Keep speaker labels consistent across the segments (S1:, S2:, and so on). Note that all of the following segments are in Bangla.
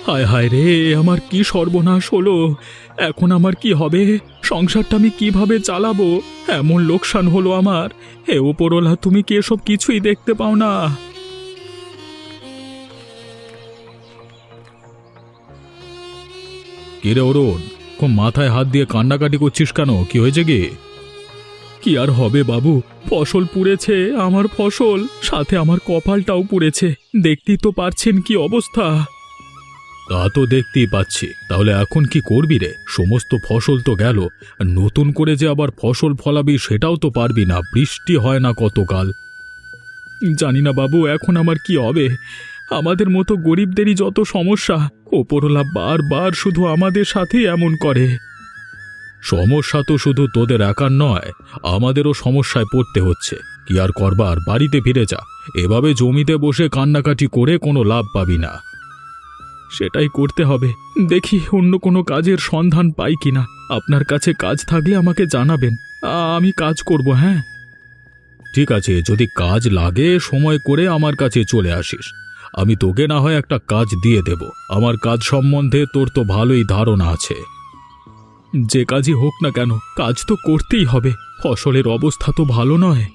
S1: হায় হায় রে, আমার কি সর্বনাশ হলো! এখন আমার কি হবে? সংসারটা আমি কিভাবে চালাবো? এমন লোকসান হলো আমার। হে ওপরওয়ালা, তুমি কি এসব কিছুই দেখতে পাও না? কিরে অরুণ, খুব মাথায় হাত দিয়ে কান্নাকাটি করছিস কেন? কি হয়েছে কি? কি আর হবে বাবু, ফসল পুড়েছে, আমার ফসল, সাথে আমার কপালটাও পুড়েছে। দেখতেই তো পারছেন কি অবস্থা। তা তো দেখতেই পাচ্ছি। তাহলে এখন কি করবি রে? সমস্ত ফসল তো গেল, আর নতুন করে যে আবার ফসল ফলাবি সেটাও তো পারবি না, বৃষ্টি হয় না কতকাল। জানি না বাবু, এখন আমার কি হবে। আমাদের মতো গরিবদেরই যত সমস্যা, ওপরওয়ালা বারবার শুধু আমাদের সাথেই এমন করে। সমস্যা তো শুধু তোদের একার নয়, আমাদেরও সমস্যায় পড়তে হচ্ছে। কি আর করবার, বাড়িতে ফিরে যা। এভাবে জমিতে বসে কান্নাকাটি করে কোনো লাভ পাবি না। সেটাই করতে হবে। দেখি অন্য কোনো কাজের সন্ধান পাই কিনা। আপনার কাছে কাজ থাকলে আমাকে জানাবেন, আমি কাজ করব। হ্যাঁ, ঠিক আছে, যদি কাজ লাগে সময় করে আমার কাছে চলে আসিস। আমি তোকে না হয় একটা কাজ দিয়ে দেব। আমার কাজ সম্বন্ধে তোর তো ভালোই ধারণা আছে। যে কাজই হোক না কেন, কাজ তো করতেই হবে। ফসলের অবস্থা তো ভালো নয়।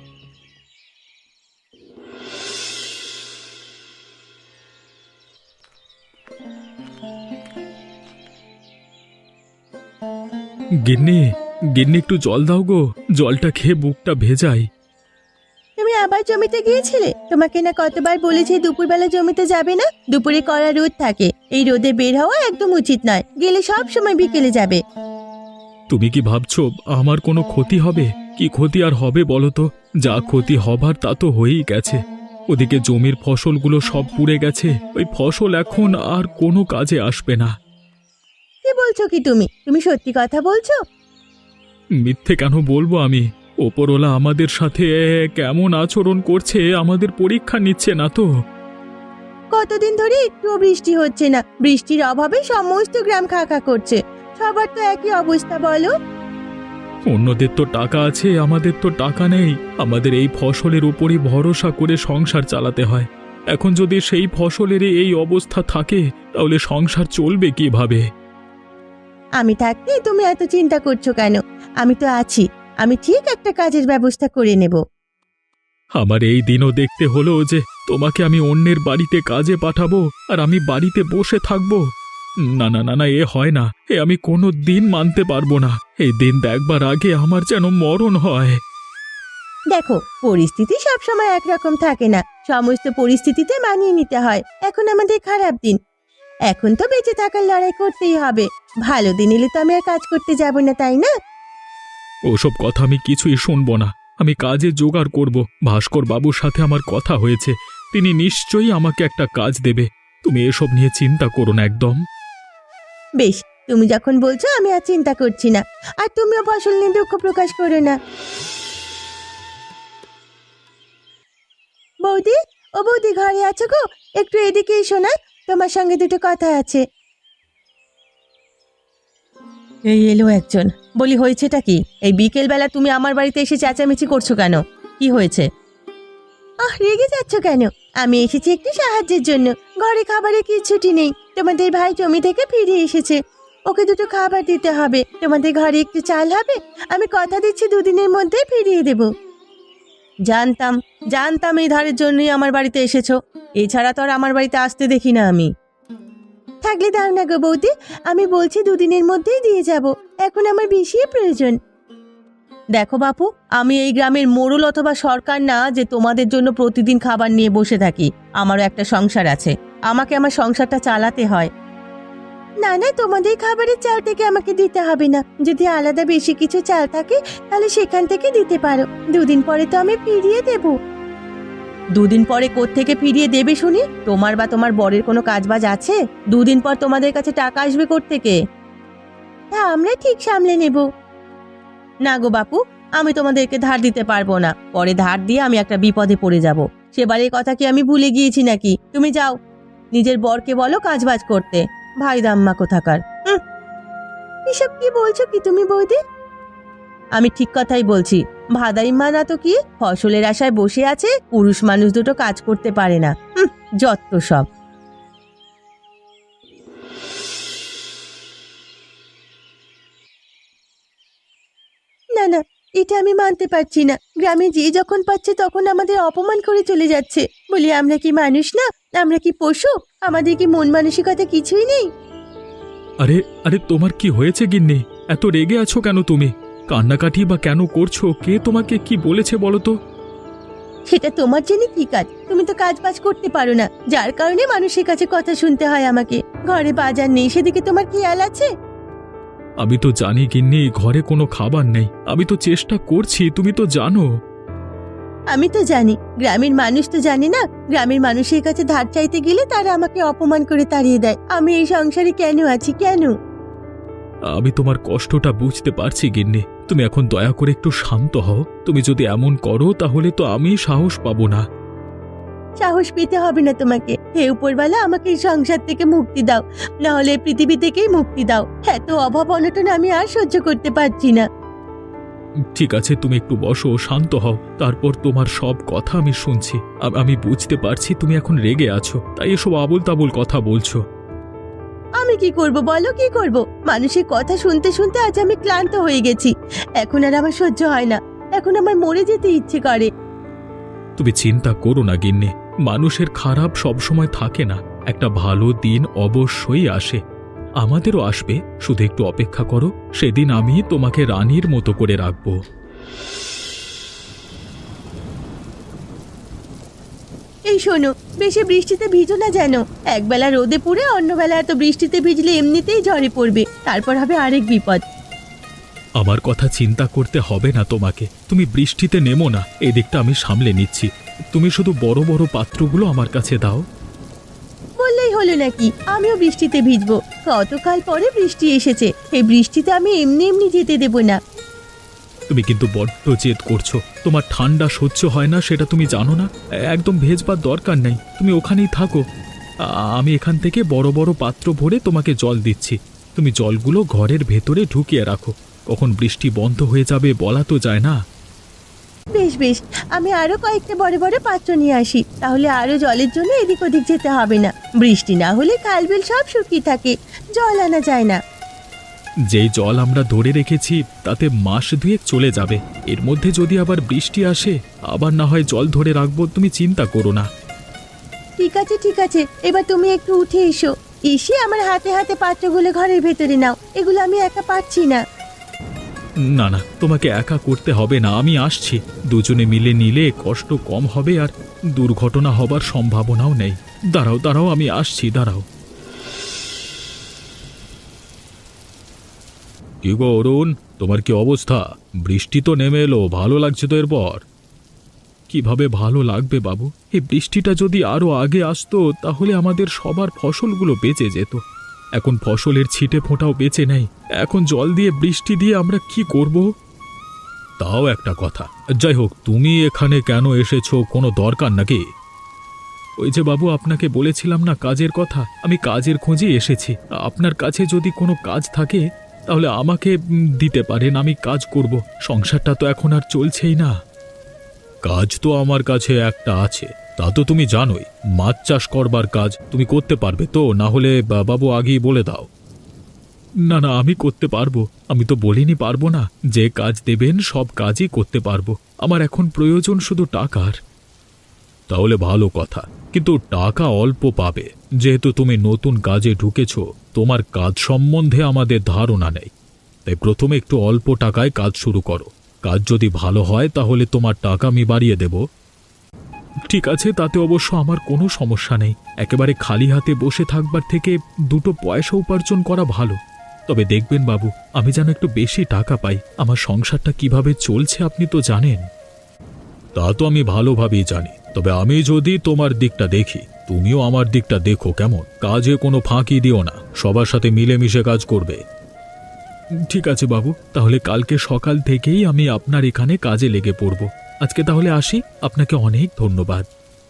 S1: গিন্নি, গিন্নি, একটু জল দাও গো। জলটা খেয়ে বুকটা ভেজাই।
S2: তুমি আবার জমিতে গিয়েছিলে? তোমাকে না কতবার বলেছি দুপুরবেলা জমিতে যাবে না। দুপুরে কড়া রোদ থাকে, এই রোদে বের হওয়া একদম উচিত নয়। গেলে সব সময় বিকেলে যাবে।
S1: তুমি কি ভাবছো আমার কোনো ক্ষতি হবে? কি ক্ষতি আর হবে বলো তো? যা ক্ষতি হবার তা তো হয়েই গেছে। ওদিকে জমির ফসলগুলো সব পুড়ে গেছে। ওই ফসল এখন আর কোনো কাজে আসবে না।
S2: কি বলছো কি তুমি? তুমি সত্যি কথা বলছো?
S1: মিথ্যে কেন বলবো আমি? ওপরওয়ালা আমাদের সাথে কেমন আচরণ করছে, আমাদের পরীক্ষা নিচ্ছে না তো?
S2: কতদিন ধরে একটুও বৃষ্টি হচ্ছে না। বৃষ্টির অভাবে সমস্ত গ্রাম খাকা করছে। সবার তো একই অবস্থা, বলো।
S1: অন্যদের তো টাকা আছে, আমাদের তো টাকা নেই। আমাদের এই ফসলের উপরই ভরসা করে সংসার চালাতে হয়। এখন যদি সেই ফসলের এই অবস্থা থাকে, তাহলে সংসার চলবে কিভাবে?
S2: আমি থাকতে তুমি এত চিন্তা করছো কেন? আমি তো আছি। আমি ঠিক একটা কাজের ব্যবস্থা করে নেব।
S1: আমার এই দিনও দেখতে হলো যে তোমাকে আমি অন্যের বাড়িতে কাজে পাঠাবো, আর আমি বাড়িতে বসে থাকবো? না না না না, এ হয় না। আমি কোনো দিন মানতে পারবো না। এই দিন দেখবার আগে আমার যেন মরণ হয়।
S2: দেখো, পরিস্থিতি সবসময় একরকম থাকে না। সমস্ত পরিস্থিতিতে মানিয়ে নিতে হয়। এখন আমাদের খারাপ দিন। এখন তো বেঁচে থাকার লড়াই করতেই হবে। ভালো দিন এলে তো আমি আর কাজ করতে যাব না, তাই না?
S1: ওসব কথা আমি কিছুই শুনবো না। আমি কাজে জোগাড় করব। ভাস্কর বাবুর সাথে আমার কথা হয়েছে, তিনি নিশ্চয়ই আমাকে একটা কাজ দেবে। তুমি এসব নিয়ে চিন্তা করো না একদম।
S2: বেশ, তুমি যখন বলছো আমি আর চিন্তা করছি না। আর তুমিও ফসল নিয়ে দুঃখ প্রকাশ করো না। বৌদি, ও বৌদি, ঘরে আছো গো? একটু এদিকে এসো না, তোমার সঙ্গে দুটো কথা আছে। এই এলো একজন। বলি, হয়েছেটা কি? এই বিকেল বেলা তুমি আমার বাড়িতে এসে চেঁচামেচি করছো কেন? কি হয়েছে? রেগে যাচ্ছ কেন? আমি এসেছি একটু সাহায্যের জন্য। ঘরে খাবারের কিছুটি নেই। তোমাদের ভাই জমি থেকে ফিরে এসেছে, ওকে দুটো খাবার দিতে হবে। তোমাদের ঘরে একটু চাল হবে? আমি কথা দিচ্ছি দুদিনের মধ্যে ফিরিয়ে দেব। জানতাম, জানতাম এই ধারের জন্যই আমার বাড়িতে এসেছো। এছাড়া তো আর আমার বাড়িতে আসতে দেখি না আমি। থাকলে দাও না গো বৌদি, আমি বলছি দুদিনের মধ্যেই দিয়ে যাব। এখন আমার বেশি প্রয়োজন। দেখো বাপু, আমি এই গ্রামের মোড়ল অথবা সরকার না যে তোমাদের জন্য প্রতিদিন খাবার নিয়ে বসে থাকি। আমারও একটা সংসার আছে, আমাকে আমার সংসারটা চালাতে হয়। না না, তোমাদের খাবারের চাল থেকে আমাকে দিতে হবে না। যদি আলাদা বেশি কিছু চাল থাকে তাহলে সেখান থেকে দিতে পারো। দুদিন পরে তো আমি ফিরিয়ে দেব। দুদিন পরে কোত্থেকে ফিরিয়ে দেবে শুনি? তোমার বা তোমার বরের কোনো কাজবাজ আছে? দুদিন পর তোমাদের কাছে টাকা আসবে কোত্থেকে? তা আমরা ঠিক সামলে নেব। না গো বাপু, আমি তোমাদেরকে ধার দিতে পারবো না। পরে ধার দিয়ে আমি একটা বিপদে পড়ে যাব। সেবারের কথা কি আমি ভুলে গিয়েছি নাকি? তুমি যাও, নিজের বরকে বলো কাজবাজ করতে। ভাই দাম্মা কোথাকার। এসব কি বলছো কি তুমি বৌদি? আমি ঠিক কথাই বলছি। ভাদাইম্মা না তো কি, ফসলের আশায় বসে আছে। পুরুষ মানুষ দুটো কাজ করতে পারে না। যত সব। এটা আমি মানতে পারছি না। গ্রামে যে যখন পাচ্ছে তখন আমাদের অপমান করে চলে যাচ্ছে। বলি আমরা কি মানুষ না? আমরা কি পশু? আমাদের কি মন মানসিকতা কিছুই নেই?
S1: আরে আরে, তোমার কি হয়েছে গিন্নি? এত রেগে আছো কেন তুমি? কান্নাকাটি বা কেন করছো? কে তোমাকে কি বলেছে বলো তো?
S2: সেটা তোমার জন্য কি কাজ? তুমি তো কাজ বাজ করতে পারো না, যার কারণে মানুষের কাছে কথা শুনতে হয় আমাকে। ঘরে বাজার নেই, সেদিকে তোমার খেয়াল আছে?
S1: আমি তো জানি গিন্নি, ঘরে কোনো খাবার নেই। আমি তো চেষ্টা করছি, তুমি তো জানো।
S2: আমি তো জানি, গ্রামের মানুষ তো জানে না। গ্রামের মানুষের কাছে ধার চাইতে গেলে তারা আমাকে অপমান করে তাড়িয়ে দেয়। আমি এই সংসারে কেন আছি, কেন?
S1: আমি তোমার কষ্টটা বুঝতে পারছি গিন্নি। তুমি এখন দয়া করে একটু শান্ত হও। তুমি যদি এমন করো তাহলে তো আমি সাহস পাবো না।
S2: সাহস পেতে হবে না তোমাকে। হে উপরওয়ালা, আমাকে এই সংসার থেকে মুক্তি দাও, না হলে এই পৃথিবী থেকেই মুক্তি দাও। এত অভাব অনটন আমি আর সহ্য করতে পারছি না।
S1: ঠিক আছে, তুমি একটু বসো, শান্ত হও। তারপর তোমার সব কথা আমি শুনছি। আমি বুঝতে পারছি তুমি এখন রেগে আছো, তাই এসব আবোল তাবোল কথা বলছো।
S2: আমি কি করব বলো, কি করব? মানুষের কথা শুনতে শুনতে আজ আমি ক্লান্ত হয়ে গেছি। এখন আর আমার সহ্য হয় না। এখন আমার মরে যেতে ইচ্ছে করে।
S1: তুমি চিন্তা করো না গিন্নি, মানুষের খারাপ সবসময় থাকে না। একটা ভালো দিন অবশ্যই আসে। আমাদেরও আসবে, শুধু একটু অপেক্ষা করো। সেদিন আমি তোমাকে রানীর মতো করে রাখবো।
S2: এই শোনো, বেশি বৃষ্টিতে ভিজো না যেন। একবেলা রোদে পুড়ে অন্যবেলা এত বৃষ্টিতে ভিজলে এমনিতেই ঝরে পড়বে, তারপর হবে আরেক বিপদ।
S1: আমার কথা চিন্তা করতে হবে না তোমাকে। তুমি বৃষ্টিতে নেমো না, এদিকটা আমি সামলে নিচ্ছি। তুমি শুধু বড় বড় পাত্রগুলো আমার কাছে দাও।
S2: বললেই হলো নাকি আমিও বৃষ্টিতে ভিজবো? কতকাল পরে বৃষ্টি এসেছে, এই বৃষ্টিতে আমি এমনি এমনি যেতে দেব না।
S1: তুমি কিন্তু বড্ড জেদ করছো। তোমার ঠান্ডা সহ্য হয় না, সেটা তুমি জানো না। একদম ভেজবার দরকার নেই, তুমি ওখানেই থাকো। আমি এখান থেকে বড় বড় পাত্র ভরে তোমাকে জল দিচ্ছি। তুমি জলগুলো ঘরের ভেতরে ঢুকিয়ে রাখো। কখন বৃষ্টি বন্ধ হয়ে যাবে বলা তো যায় না।
S2: বেশ বেশ, আমি আরো কয়েকটা বড় বড় পাত্র নিয়ে আসি, তাহলে আরো জলের জন্য এদিক ওদিক যেতে হবে না। বৃষ্টি না হলে খাল বিল সব শুকিয়ে থাকে, জল আনা যায় না।
S1: যেই জল আমরা ধরে রেখেছি তাতে মাস দুয়েক চলে যাবে। এর মধ্যে যদি আবার বৃষ্টি আসে, আবার না হয় জল ধরে রাখবো। তুমি চিন্তা করো না।
S2: ঠিক আছে ঠিক আছে, এবার তুমি একটু উঠে এসো। এসে আমার হাতে হাতে পাত্রগুলো ঘরের ভেতরে নাও, এগুলো আমি একা পারছি না।
S1: না না, তোমাকে একা করতে হবে না, আমি আসছি। দুজনে মিলে নিলে কষ্ট কম হবে, আর দুর্ঘটনা হবার সম্ভাবনাও নেই। দাঁড়াও দাঁড়াও, আমি আসছি, দাঁড়াও। কি গো অরুণ, তোমার কি অবস্থা? বৃষ্টি তো নেমে এলো, ভালো লাগছে তো এরপর? কিভাবে ভালো লাগবে বাবু? এই বৃষ্টিটা যদি আরো আগে আসতো তাহলে আমাদের সবার ফসলগুলো বেঁচে যেত। এখন ফসলের ছিটে ফোঁটাও বেঁচে নেই। এখন জল দিয়ে বৃষ্টি দিয়ে আমরা কি করব? তাও একটা কথা। যাই হোক, তুমি এখানে কেন এসেছো, কোনো দরকার নাকি? ওই যে বাবু, আপনাকে বলেছিলাম না কাজের কথা, আমি কাজের খোঁজে এসেছি। আপনার কাছে যদি কোনো কাজ থাকে তাহলে আমাকে দিতে পারেন, আমি কাজ করব। সংসারটা তো এখন আর চলছেই না। কাজ তো আমার কাছে একটা আছে, তা তো তুমি জানোই। মাছ চাষ করবার কাজ তুমি করতে পারবে তো? না হলে বাবু আগেই বলে দাও। না না, আমি করতে পারবো। আমি তো বলিনি পারবো না। যে কাজ দেবেন সব কাজই করতে পারবো। আমার এখন প্রয়োজন শুধু টাকার। তাহলে ভালো কথা, কিন্তু টাকা অল্প পাবে। যেহেতু তুমি নতুন কাজে ঢুকেছো, তোমার কাজ সম্বন্ধে আমাদের ধারণা নেই। তাই প্রথমে একটু অল্প টাকায় কাজ শুরু করো। কাজ যদি ভালো হয় তাহলে তোমার টাকা আমি বাড়িয়ে দেব। ঠিক আছে, তাতে অবশ্য আমার কোনো সমস্যা নেই। একেবারে খালি হাতে বসে থাকবার থেকে দুটো পয়সা উপার্জন করা ভালো। তবে দেখবেন বাবু, আমি যেন একটু বেশি টাকা পাই। আমার সংসারটা কিভাবে চলছে আপনি তো জানেন। তা তো আমি ভালোভাবেই জানি, তবে আমি যদি তোমার দিকটা দেখি, তুমিও আমার দিকটা দেখো কেমন। কাজে কোনো ফাঁকি দিও না, সবার সাথে মিলেমিশে কাজ করবে। ঠিক আছে বাবু, তাহলে কালকে সকাল থেকেই আমি আপনার এখানে কাজে লেগে পড়ব। আজকে তাহলে আসি, আপনাকে অনেক ধন্যবাদ।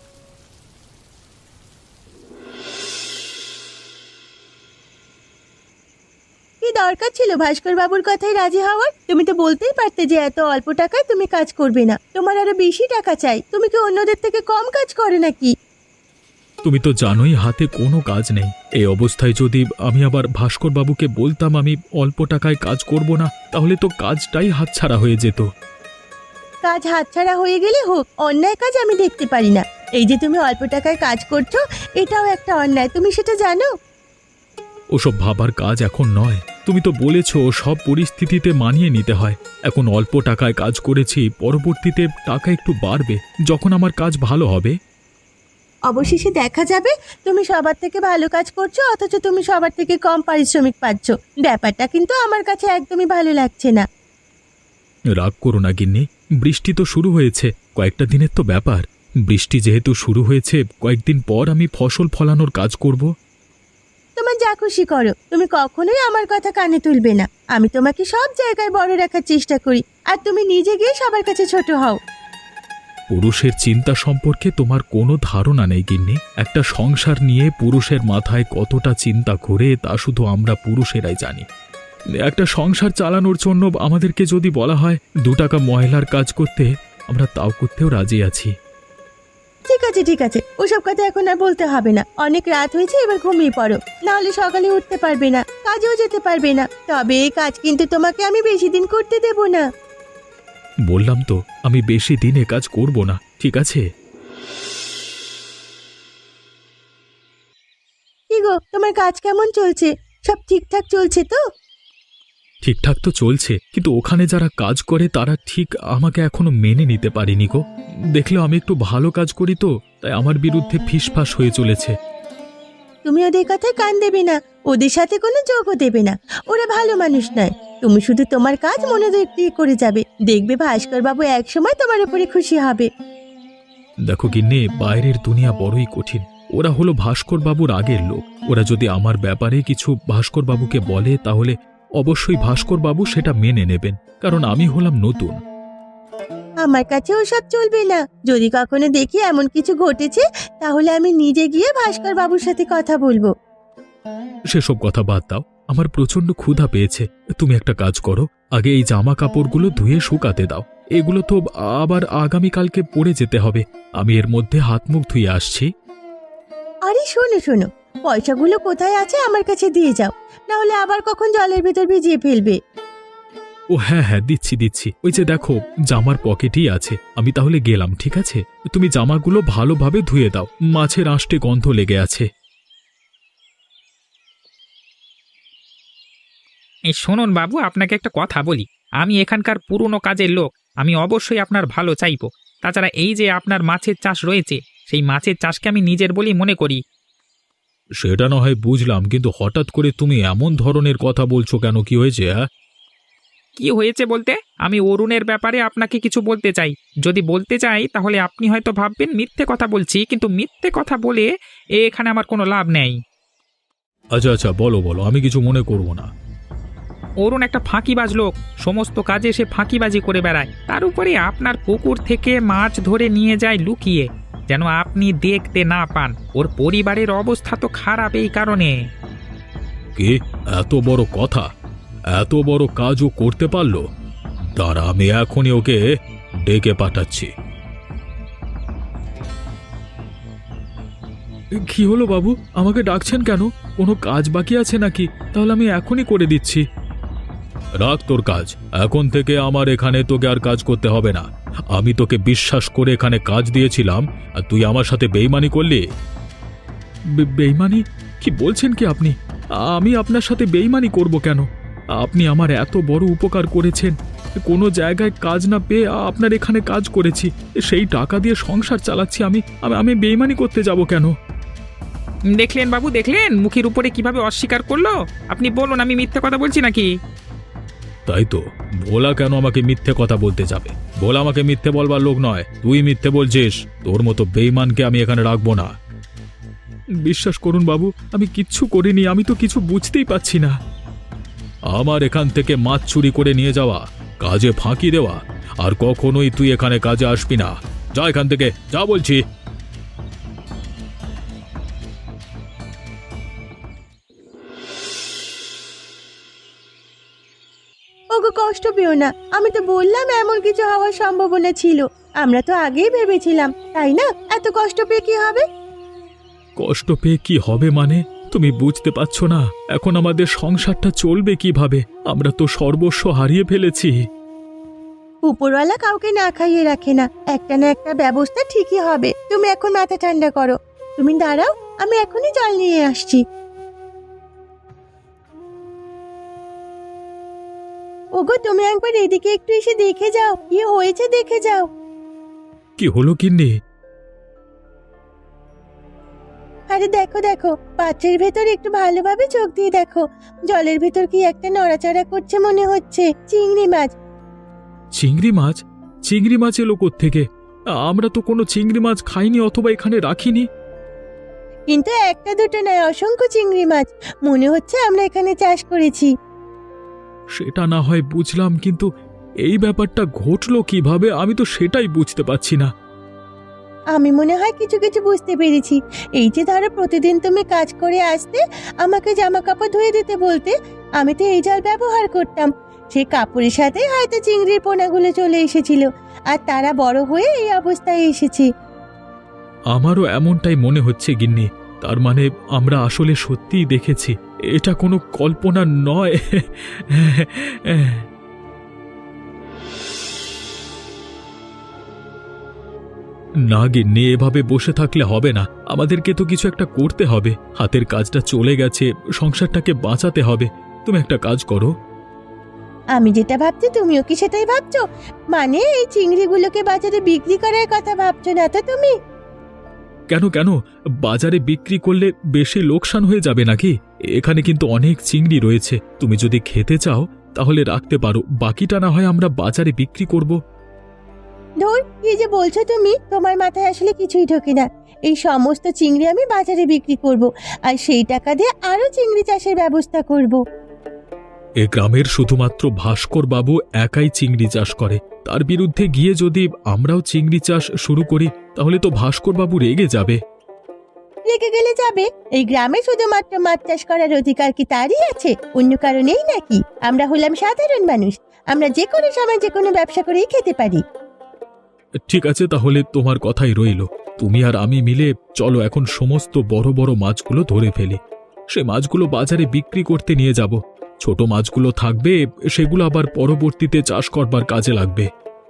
S2: কি দরকার ছিল ভাস্কর বাবুর কথায় রাজি হওয়ার? তুমি তো বলতেই পারতে যে এত অল্প টাকায় তুমি কাজ করবে না, তোমার আরো বেশি টাকা চাই। তুমি কি অন্যদের থেকে কম কাজ করো নাকি?
S1: তুমি তো জানোই হাতে কোনো কাজ নেই। এই অবস্থায় যদি আমি আবার ভাস্কর বাবুকে বলতাম আমি অল্প টাকায় কাজ করব না, তাহলে তো কাজটাই হাতছাড়া হয়ে যেত।
S2: কাজ হাতছাড়া হয়ে গেলে হোক, অন্যায় কাজ আমি দেখতে পারি না। এই যে তুমি অল্প টাকায় কাজ করছো, এটাও একটা অন্যায়, তুমি সেটা জানো?
S1: ওসব ভাবার কাজ এখন নয়। তুমি তো বলেছো সব পরিস্থিতিতে মানিয়ে নিতে হয়। এখন অল্প টাকায় কাজ করেছি, পরবর্তীতে টাকা একটু বাড়বে যখন আমার কাজ ভালো হবে।
S2: অবশেষে দেখা যাবে তুমি সবার থেকে ভালো কাজ করছো, অথচ তুমি সবার থেকে কম পারিশ্রমিক পাচ্ছ। ব্যাপারটা কিন্তু আমার কাছে একদমই ভালো লাগছে না।
S1: রাগ করো না গিন্নি, বৃষ্টি তো শুরু হয়েছে, কয়েকটা দিনের তো ব্যাপার। বৃষ্টি যেহেতু শুরু হয়েছে, কয়েকদিন পর আমি ফসল ফলানোর কাজ করব।
S2: তোমার যা খুশি করো, তুমি কখনোই আমার কথা কানে তুলবে না। আমি তোমাকে সব জায়গায় বড় রাখার চেষ্টা করি, আর তুমি নিজে গিয়ে সবার কাছে ছোট হও।
S1: পুরুষের চিন্তা সম্পর্কে তোমার কোনো ধারণা নেই গিন্নি। একটা সংসার নিয়ে পুরুষের মাথায় কতটা চিন্তা ঘোরে তা শুধু আমরা পুরুষেরাই জানি। একটা সংসার চালানোর জন্য আমাদেরকে যদি বলা হয় 2 টাকা ময়লার কাজ করতে, আমরা তাও করতেও রাজি আছি।
S2: ঠিক আছে ঠিক আছে, ওসব কথা এখন আর বলতে হবে না। অনেক রাত হয়েছে, এবার ঘুমিয়ে পড়ো, না হলে সকালে উঠতে পারবে না, কাজেও যেতে পারবে না। তবে এই কাজ কিন্তু তোমাকে আমি বেশি দিন করতে দেব না।
S1: বললাম তো আমি বেশি দিন এ কাজ করব না, ঠিক আছে?
S2: কি গো, তোমার কাজ কেমন চলছে? সব ঠিকঠাক চলছে তো?
S1: ঠিকঠাক তো চলছে, কিন্তু ওখানে যারা কাজ করে তারা ঠিক আমাকে এখনো মেনে নিতে পারেনি গো। দেখলে আমি একটু ভালো কাজ করি তো, তাই আমার বিরুদ্ধে ফিসফাস হয়ে চলেছে।
S2: তুমি ওদের কথায় কান দেবে না, ওদের সাথে কোনো যোগও দেবে না। ওরা ভালো মানুষ নয়। তুমি শুধু তোমার কাজ মনোযোগ দিয়ে করে যাবে, দেখবে ভাস্কর বাবু একসময় তোমার উপরে খুশি হবে।
S1: দেখো গিন্নি, বাইরের দুনিয়া বড়ই কঠিন। ওরা হলো ভাস্কর বাবুর আগের লোক। ওরা যদি আমার ব্যাপারে কিছু ভাস্কর বাবুকে বলে, তাহলে অবশ্যই ভাস্কর বাবু সেটা মেনে নেবেন, কারণ আমি হলাম নতুন।
S2: আমার কাছে ওসব চলবে না। যদি কখনো দেখি এমন কিছু ঘটেছে, তাহলে আমি নিজে গিয়ে ভাস্কর বাবুর সাথে কথা বলবো।
S1: সেসব কথা বাদ দাও, আমার প্রচন্ড ক্ষুধা পেয়েছে। তুমি একটা কাজ করো, আগে এই জামা কাপড়গুলো ধুয়ে শুকাতে দাও। এগুলো তো আবার আগামীকালকে পরে যেতে হবে। আমি এর মধ্যে হাত মুখ ধুয়ে আসছি।
S2: আরে শোনো শোনো, পয়সাগুলো কোথায় আছে আমার কাছে দিয়ে যাও, না হলে আবার কখন জলের ভেতর ভিজিয়ে ফেলবে।
S1: ও হ্যাঁ হ্যাঁ, দিচ্ছি দিচ্ছি। ওই যে দেখো, জামার পকেটেই আছে। আমি তাহলে গেলাম, ঠিক আছে? তুমি জামাগুলো ভালোভাবে ধুয়ে দাও, মাছের আঁশটে গন্ধ লেগে আছে।
S3: এই শুনুন বাবু, আপনাকে একটা কথা বলি। আমি এখানকার পুরনো কাজের লোক, আমি অবশ্যই আপনার ভালো চাইবো। তাছাড়া এই যে আপনার মাছের চাষ রয়েছে, সেই মাছের চাষকে আমি নিজের বলেই মনে করি।
S1: সেটা না হয় বুঝলাম, কিন্তু হঠাৎ করে তুমি এমন ধরনের কথা বলছো কেন? কি হয়েছে? হ্যাঁ,
S3: কি হয়েছে বলতে, আমি অরুণের ব্যাপারে আপনাকে কিছু বলতে চাই। যদি বলতে চাই তাহলে আপনি হয়তো ভাববেন মিথ্যে কথা বলছি, কিন্তু মিথ্যে কথা বলে এখানে আমার কোনো লাভ নেই।
S1: আচ্ছা আচ্ছা, বলো বলো, আমি কিছু মনে করব না।
S3: অরুণ একটা ফাঁকিবাজ লোক, সমস্ত কাজে সে ফাঁকিবাজি করে বেড়ায়। তার উপরে আপনার পুকুর থেকে মাছ ধরে নিয়ে যায় লুকিয়ে, যেন আপনি দেখতে না পান। ওর পরিবারের অবস্থা তো খারাপ এই কারণে।
S1: কি এত বড় কথা? এত বড় কাজও করতে পারলো? দাঁড়া, আমি এখনই ওকে ডেকে পাঠাচ্ছি। কি হলো বাবু, আমাকে ডাকছেন কেন? কোনো কাজ বাকি আছে নাকি? তাহলে আমি এখনই করে দিচ্ছি। রাখ তোর কাজ, এখন থেকে আমার এখানে তোকে আর কাজ করতে হবে না। আমি তোকে বিশ্বাস করে এখানে কাজ দিয়েছিলাম, আর তুই আমার সাথে বেইমানি করলি। বেইমানি? কি বলছেন কি আপনি? আমি আপনার সাথে বেইমানি করব কেন? আপনি আমার এত বড় উপকার করেছেন। কোনো জায়গায় কাজ না পেয়ে আপনার এখানে কাজ করেছি, সেই টাকা দিয়ে সংসার চালাচ্ছি। আমি বেইমানি করতে যাব কেন?
S3: দেখলেন বাবু, দেখলেন মুখের উপরে কিভাবে অস্বীকার করলো। আপনি বলুন আমি মিথ্যে কথা বলছি নাকি?
S1: তাই তো, ভোলা কেন আমাকে মিথ্যে কথা বলতে যাবে? ভোলা আমাকে মিথ্যে বলবার লোক নয়, তুই মিথ্যে বলছিস। তোর মতো বেইমানকে আমি এখানে রাখবো না। বিশ্বাস করুন বাবু, আমি কিচ্ছু করিনি। আমি তো কিছু বুঝতেই পারছি না। আমার এখান থেকে মাছ চুরি করে নিয়ে যাওয়া, কাজে ফাঁকি দেওয়া, আর কখনোই তুই এখানে কাজে আসবি না। যা এখান থেকে, যা বলছি।
S2: ওগো কষ্ট পেও না, আমি তো বললাম এমন কিছু হওয়ার সম্ভাবনা ছিল। আমরা তো আগেই ভেবেছিলাম, তাই না? এত কষ্ট পেয়ে কি হবে?
S1: কষ্ট পেয়ে কি হবে মানে? তুমি বুঝতে পারছো না এখন আমাদের সংসারটা চলবে কিভাবে? আমরা তো সর্বস্ব হারিয়ে ফেলেছি।
S2: উপরওয়ালা কাউকে না খাইয়ে রাখে না, একটা না একটা ব্যবস্থা ঠিকই হবে। তুমি এখন মাথা ঠান্ডা করো, তুমি দাঁড়াও, আমি এখনই জল নিয়ে আসছি। ওগো, তুমি একবার এদিকে একটু এসে দেখে যাও, কি হয়েছে দেখে যাও।
S1: কি হলো গিন্নি?
S2: আরে দেখো দেখো, পাত্রের ভেতর একটু ভালোভাবে চোখ দিয়ে দেখো, জলের ভেতর কি একটা নড়াচড়া করছে মনে হচ্ছে। চিংড়ি মাছ।
S1: চিংড়ি মাছ? চিংড়ি মাছ এলো কোত্থেকে? আমরা তো কোনো চিংড়ি মাছ খাইনি অথবা এখানে রাখিনি।
S2: কিন্তু একটা দুটো নয়, অসংখ্য চিংড়ি মাছ। মনে হচ্ছে আমরা এখানে চাষ করেছি।
S1: সেটা না হয় বুঝলাম, কিন্তু এই ব্যাপারটা ঘটলো কিভাবে আমি তো সেটাই বুঝতে পারছি না।
S2: আমি মনে হয় কিছু কিছু বুঝতে পেরেছি। এই যে ধরো, প্রতিদিন তুমি কাজ করে আসতে, আমাকে জামা কাপড় ধুয়ে দিতে বলতে, আমি তো এই জল ব্যবহার করতাম। সেই কাপড়ের সাথে হয়তো চিংড়ির পোনাগুলো চলে এসেছিল, আর তারা বড় হয়ে এই অবস্থায় এসেছে।
S1: আমারও এমনটাই মনে হচ্ছে গিন্নি। তার মানে আমরা আসলে সত্যিই দেখেছি, এটা কোনো কল্পনা নয়। না গিন্নি, এভাবে বসে থাকলে হবে না, আমাদেরকে তো কিছু একটা করতে হবে। হাতের কাজটা চলে গেছে, সংসারটাকে বাঁচাতে হবে। তুমি একটা কাজ করো।
S2: আমি যেটা ভাবছি তুমিও কি সেটাই ভাবছো? মানে এই চিংড়িগুলোকে বাজারে বিক্রি করার কথা ভাবছো না তো তুমি?
S1: কেন কেন, বাজারে বিক্রি করলে বেশি লোকসান হয়ে যাবে নাকি? এখানে কিন্তু অনেক চিংড়ি রয়েছে, তুমি যদি খেতে চাও তাহলে রাখতে পারো, বাকিটা না হয় আমরা বাজারে বিক্রি করব।
S2: ধুর, কি যে বলছো তুমি, তোমার মাথায় আসলে কিছুই ঢোকে না। এই সমস্ত চিংড়ি আমি বাজারে বিক্রি করব, আর সেই টাকা দিয়ে আরো চিংড়ি চাষের ব্যবস্থা করব।
S1: এ গ্রামের শুধুমাত্র ভাস্কর বাবু একাই চিংড়ি চাষ করে, তার বিরুদ্ধে গিয়ে যদি আমরাও চিংড়ি চাষ শুরু করি তাহলে তো ভাস্কর বাবু রেগে যাবে।
S2: রেগে গেলে যাবে? এই গ্রামে শুধুমাত্র মাছ চাষ করার অধিকার কি তারই আছে? অন্য কারণেই নাকি? আমরা হলাম সাধারণ মানুষ, আমরা যে কোনো সময় যে কোনো ব্যবসা করেই খেতে পারি।
S1: ঠিক আছে, তাহলে তোমার কথাই রইল। তুমি আর আমি মিলে চলো এখন সমস্ত বড় বড় মাছগুলো ধরে ফেলি। সে মাছগুলো বাজারে বিক্রি করতে নিয়ে যাব। ছোট মাছগুলো থাকবে, সেগুলো আবার পরবর্তীতে চাষ করবার কাজে লাগবে।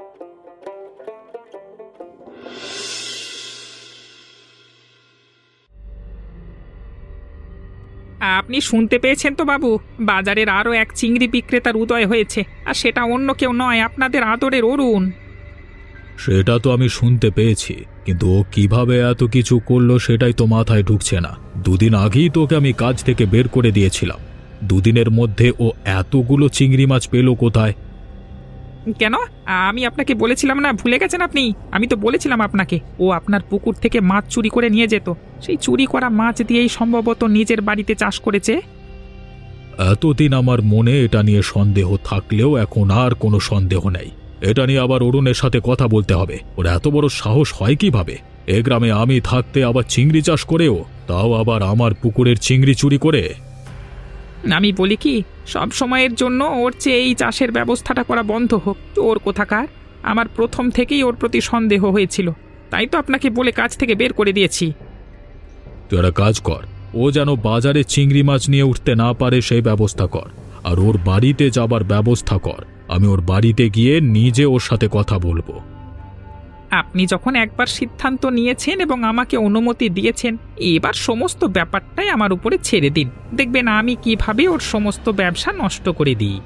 S3: আপনি শুনতে পেয়েছেন তো বাবু, বাজারের আরও এক চিংড়ি বিক্রেতার উদয় হয়েছে, আর সেটা অন্য কেউ নয়, আপনাদের আদরের অরুণ।
S1: সেটা তো আমি শুনতে পেয়েছি, কিন্তু ও কিভাবে এত কিছু করলো সেটাই তো মাথায় ঢুকছে না। দুদিন আগেই তোকে আমি কাজ থেকে বের করে দিয়েছিলাম, দুদিনের মধ্যে ও এতগুলো চিংড়ি মাছ পেল কোথায়?
S3: কেন? আমি আপনাকে বলেছিলাম না, ভুলে গেছেন আপনি? আমি তো বলেছিলাম আপনাকে, ও আপনার পুকুর থেকে মাছ চুরি করে নিয়ে যেত। সেই চুরি করা মাছ দিয়েই সম্ভবত নিজের বাড়িতে চাষ করেছে।
S1: এতদিন আমার মনে এটা নিয়ে সন্দেহ থাকলেও এখন আর কোনো সন্দেহ নেই। এটা নিয়ে আবার অরুণের সাথে কথা বলতে হবে। ওর এত বড় সাহস হয় কিভাবে? এ গ্রামে আমি থাকতে আবার চিংড়ি চাষ করেও, তাও আবার আমার পুকুরের চিংড়ি চুরি করে।
S3: আমি বলি কি, সব সময়ের জন্য ওর চেয়ে এই চাষের ব্যবস্থাটা করা বন্ধ হোক। ওর কোথাকার, আমার প্রথম থেকেই ওর প্রতি সন্দেহ হয়েছিল, তাই তো আপনাকে বলে কাজ থেকে বের করে দিয়েছি।
S1: তুই একটা কাজ কর, ও যেন বাজারে চিংড়ি মাছ নিয়ে উঠতে না পারে সেই ব্যবস্থা কর, আর ওর বাড়িতে যাবার ব্যবস্থা কর। আমি ওর বাড়িতে গিয়ে নিজে ওর সাথে কথা বলবো।
S3: আপনি যখন একবার সিদ্ধান্ত নিয়েছেন এবং আমাকে অনুমতি দিয়েছেন, এবার সমস্ত ব্যাপারটাই আমার উপরে ছেড়ে দিন। দেখবেন আমি কিভাবে ওর সমস্ত ব্যবসা নষ্ট করে দিই।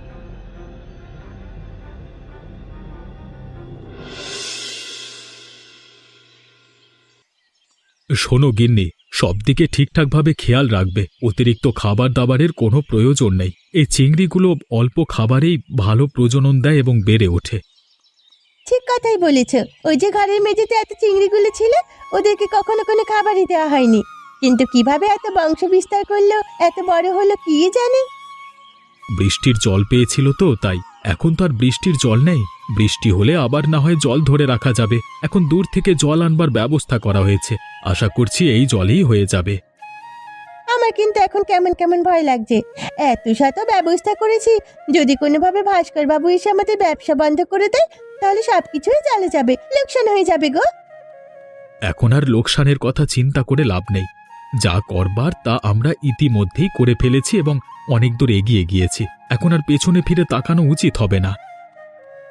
S1: শোনো গিন্নি, সব দিকে ঠিকঠাকভাবে খেয়াল রাখবে। অতিরিক্ত খাবার দাবারের কোনো প্রয়োজন নেই। এই চিংড়িগুলো অল্প খাবারেই ভালো প্রজনন দেয় এবং বেড়ে ওঠে।
S2: ঠিক কথাই বলেছ। ওই যে ঘরের মেঝেতে এত চিংড়িগুলো ছিল, ওদেরকে কখনো কোনো খাবারই দেওয়া হয়নি, কিন্তু কিভাবে এত বংশ বিস্তার করলো, এত বড় হলো কি জানে।
S1: বৃষ্টির জল পেয়েছিল তো তাই। এখন তো আর বৃষ্টির জল নেই, বৃষ্টি হলে আবার না হয় জল ধরে রাখা যাবে। এখন দূর থেকে জল আনবার ব্যবস্থা করা হয়েছে, আশা করছি এই জলেই হয়ে যাবে।
S2: আমার কিন্তু এখন কেমন কেমন ভয় লাগছে। এত শত ব্যবস্থা করেছি, যদি কোনোভাবে ভাস্কর বাবু এসে আমাদের ব্যবসা বন্ধ করে দেয়, তাহলে সবকিছুই চলে যাবে, লোকসান হয়ে যাবে গো।
S1: এখন আর লোকসানের কথা চিন্তা করে লাভ নেই। যা করবার তা আমরা ইতিমধ্যেই করে ফেলেছি এবং অনেক দূর এগিয়ে গিয়েছি। এখন আর পেছনে ফিরে তাকানো উচিত হবে না।
S2: কিন্তু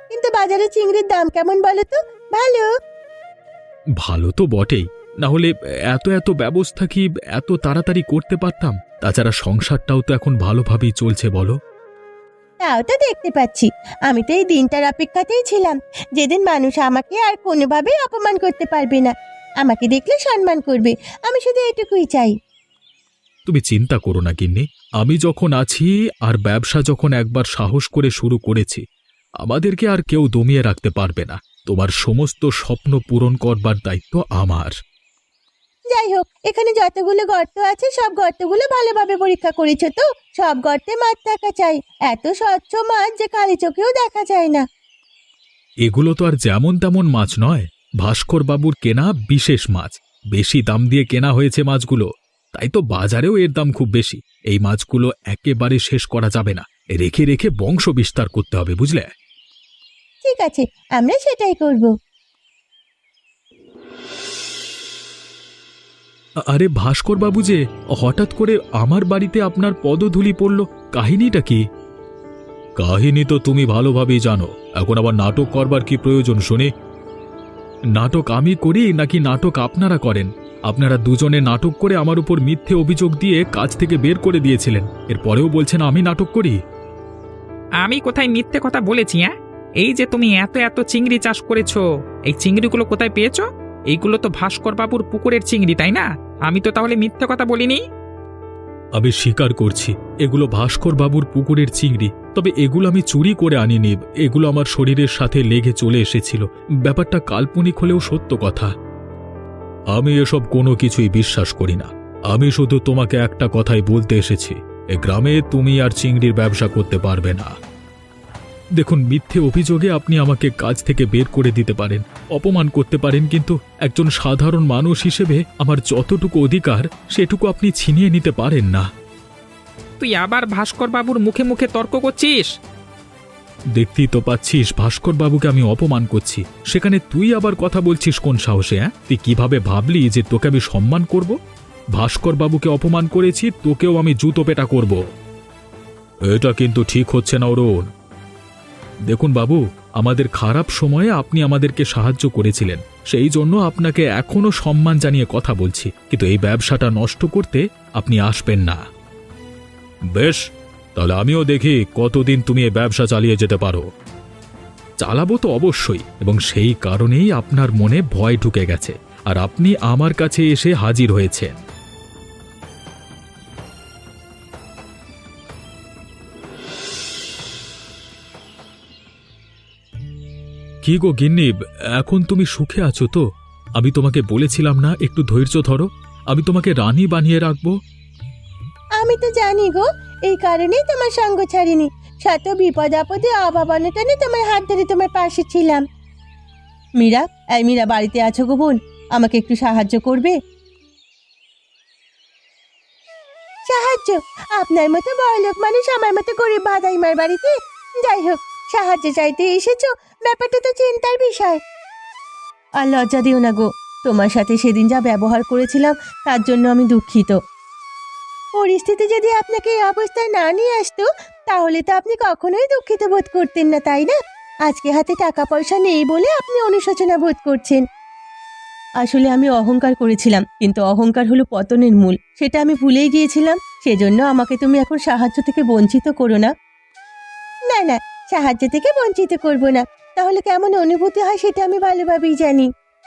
S2: বাজারে চিংড়ির দাম কেমন বলো তো? ভালো?
S1: ভালো তো বটেই, না হলে এত এত ব্যবস্থা কি এত তাড়াতাড়ি করতে পারতাম? তাছাড়া সংসারটাও তো এখন ভালোভাবেই চলছে বলো।
S2: তাও তো দেখতে পাচ্ছি। আমি তো এই দিনটার অপেক্ষাতেই ছিলাম, যেদিন মানুষ আমাকে আর কোনোভাবেই অপমান করতে পারবে না, আমাকে দেখলে সম্মান করবে। আমি শুধু এটুকুই চাই।
S1: তুমি চিন্তা করো না গিন্নি, আমি যখন আছি আর ব্যবসা যখন একবার সাহস করে শুরু করেছি, আমাদেরকে আর কেউ দমিয়ে রাখতে পারবে না। তোমার সমস্ত স্বপ্ন পূরণ করবার দায়িত্ব আমার।
S2: যাই হোক, এখানে যতগুলো গর্ত আছে সব গর্তগুলো ভালোভাবে পরীক্ষা করেছো তো? সব গর্তে মাছ থাকা চাই, এত স্বচ্ছ মাছ যে কালি চোখেও দেখা যায় না।
S1: এগুলো তো আর যেমন তেমন মাছ নয়, ভাস্কর বাবুর কেনা বিশেষ মাছ। বেশি দাম দিয়ে কেনা হয়েছে মাছগুলো, তাই তো বাজারেও এর দাম খুব বেশি। এই মাছগুলো একেবারে শেষ করা যাবে না, রেখে রেখে বংশ বিস্তার করতে হবে, বুঝলে?
S2: ঠিক আছে, আমরা সেটাই করব।
S1: আরে ভাস্কর বাবু যে হঠাৎ করে আমার বাড়িতে আপনার পদধূলি পড়ল, কাহিনীটা কি? কাহিনী তো তুমি ভালোভাবেই জানো, এখন আবার নাটক করবার কি প্রয়োজন শুনি? নাটক আমি করি নাকি নাটক আপনারা করেন? আপনারা দুজনে নাটক করে আমার উপর মিথ্যে অভিযোগ দিয়ে কাজ থেকে বের করে দিয়েছিলেন, এরপরেও বলছেন আমি নাটক করি।
S3: আমি কোথায় মিথ্যে কথা বলেছি? হ্যাঁ, এই যে তুমি এত এত চিংড়ি চাষ করেছো, এই চিংড়িগুলো কোথায় পেয়েছো? এইগুলো তো ভাস্কর বাবুর পুকুরের চিংড়ি, তাই না? আমি তো তাহলে মিথ্যে কথা বলিনি।
S1: আমি স্বীকার করছি, এগুলো ভাস্কর বাবুর পুকুরের চিংড়ি, তবে এগুলো আমি চুরি করে আনিনি। এগুলো আমার শরীরের সাথে লেগে চলে এসেছিল। ব্যাপারটা কাল্পনিক হলেও সত্য কথা। আমি এসব কোনো কিছুই বিশ্বাস করি না। আমি শুধু তোমাকে একটা কথাই বলতে এসেছি, এ গ্রামে তুমি আর চিংড়ির ব্যবসা করতে পারবে না। দেখুন, মিথ্যে অভিযোগে আপনি আমাকে কাজ থেকে বের করে দিতে পারেন, অপমান করতে পারেন, কিন্তু একজন সাধারণ মানুষ হিসেবে আমার যতটুকু অধিকার সেটুকু আপনি ছিনিয়ে নিতে পারেন না।
S3: তুই আবার ভাস্কর বাবুর মুখে মুখে তর্ক করছিস?
S1: দেখতেই তো পাচ্ছিস ভাস্কর বাবুকে আমি অপমান করছি, সেখানে তুই আবার কথা বলছিস কোন সাহসে? তুই কিভাবে ভাবলি যে তোকে আমি সম্মান করব? ভাস্কর বাবুকে অপমান করেছি, তোকেও আমি জুতো পেটা করব। এটা কিন্তু ঠিক হচ্ছে না অরুণ। দেখুন বাবু, আমাদের খারাপ সময়ে আপনি আমাদেরকে সাহায্য করেছিলেন, সেই জন্য আপনাকে এখনো সম্মান জানিয়ে কথা বলছি, কিন্তু এই ব্যবসাটা নষ্ট করতে আপনি আসবেন না। বেশ, তাহলে আমিও দেখি কতদিন তুমি এই ব্যবসা চালিয়ে যেতে পারো। চালাবো তো অবশ্যই, এবং সেই কারণেই আপনার মনে ভয় ঢুকে গেছে, আর আপনি আমার কাছে এসে হাজির হয়েছেন। কি গো গিন্নি, এখন তুমি সুখে আছো তো? আমি তোমাকে বলেছিলাম না একটু ধৈর্য ধরো, আমি তোমাকে রানী বানিয়ে রাখবো।
S2: আমি তো জানি গো, এই কারণেই তোমার সঙ্গ ছাড়িনি। শত বিপদ আপদে অভাব অনটনে তোমার হাত ধরে তোমার পাশে ছিলাম। মীরা, এই মীরা, বাড়িতে আছো গো বোন? আমাকে একটু সাহায্য করবে? সাহায্য? আপনার মতো বড়লোক মানুষ আমার মতো গরিব ভাদাইমার বাড়িতে? যাই হোক, সাহায্য চাইতে এসেছো, ব্যাপারটা তো চিন্তার বিষয়। আর লজ্জা দিও না গো, তোমার সাথে সেদিন যা ব্যবহার করেছিলাম তার জন্য আমি দুঃখিত। পরিস্থিতি যদি আপনাকে এই অবস্থায় না নিয়ে আসতো, তাহলে তো আপনি কখনোই দুঃখিত বোধ করতেন না, তাই না? আজকে হাতে টাকা পয়সা নেই বলে আপনি অনুশোচনা বোধ করছেন। আসলে আমি অহংকার করেছিলাম, কিন্তু অহংকার হলো পতনের মূল, সেটা আমি ভুলেই গিয়েছিলাম। সেজন্য আমাকে তুমি এখন সাহায্য থেকে বঞ্চিত করো না। না না, সাহায্য থেকে বঞ্চিত করব না। তাহলে কেমন অনুভূতি হয় সেটা আমি ভালোভাবেই জানি।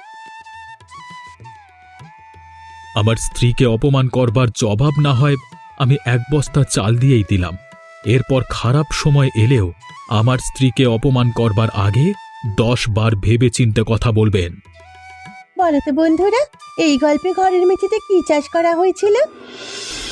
S1: আমার স্ত্রীকে অপমান করবার জবাব না হয় আমি এক বস্তা চাল দিয়েই দিলাম। এরপর খারাপ সময় এলেও আমার স্ত্রীকে অপমান করবার আগে 10 বার ভেবে চিন্তে কথা বলবেন।
S2: বলো তো বন্ধুরা, এই গল্পে ঘরের মেঝেতে কি চাষ করা হয়েছিল?